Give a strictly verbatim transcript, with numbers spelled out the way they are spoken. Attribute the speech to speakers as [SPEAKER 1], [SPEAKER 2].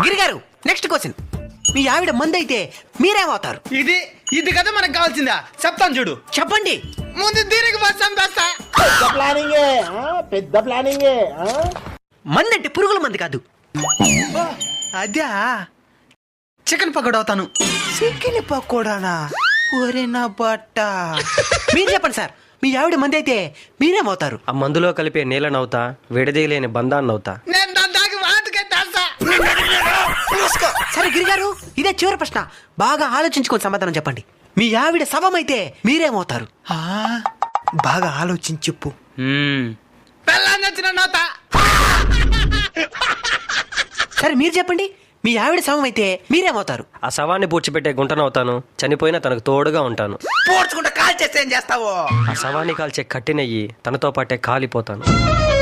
[SPEAKER 1] గిరిగారు next question. మీ ఆవిడ మంది అయితే మీరేమవుతారు?
[SPEAKER 2] ఇది ఇది కదా మనకు కావాల్సిందా? చెప్తాను చూడు.
[SPEAKER 1] చెప్పండి.
[SPEAKER 2] ముందు దీనికి బస్ చంపేస్తా.
[SPEAKER 3] పెద్ద ప్లానింగ్ పెద్ద ప్లానింగ్.
[SPEAKER 1] మంది అంటే పురుగుల మంది కాదు.
[SPEAKER 2] అద్యా చికెన్ పకోడా అవుతాను.
[SPEAKER 1] చికెన్ పకోడానా? ఒరే నా బట్ట. మీరు చెప్పండి సార్, మీ ఆవిడ మంది అయితే మీరేమవుతారు?
[SPEAKER 4] ఆ మందులో కలిపే నీళ్ళనవుతా, విడదీయలేని బంధాన్నవుతా.
[SPEAKER 2] నేను దాని దాకా వాటికే తెలుసా.
[SPEAKER 1] సరే గిరిగారు, ఇదే చివరి ప్రశ్న. బాగా ఆలోచించుకొని సమాధానం చెప్పండి. మీ ఆవిడ శవం అయితే మీరేమవుతారు?
[SPEAKER 2] ఆ, బాగా ఆలోచించి చెప్పు.
[SPEAKER 4] మ్మ్.
[SPEAKER 2] పెళ్ళాన్ని వచ్చిన నోత.
[SPEAKER 1] సరే మీరు చెప్పండి, మీ ఆవిడ శవం అయితే మీరేమవుతారు?
[SPEAKER 4] ఆ శవాన్ని పూడ్చిపెట్టే గుంటనవుతాను, చనిపోయినా తనకు తోడుగా ఉంటాను.
[SPEAKER 2] పోడ్చుకుంటే కాల్ చేస్తే ఏం చేస్తావు?
[SPEAKER 4] ఆ శవాన్ని కాల్చే కట్టినయ్యి తనతో పాటే కాలిపోతాను.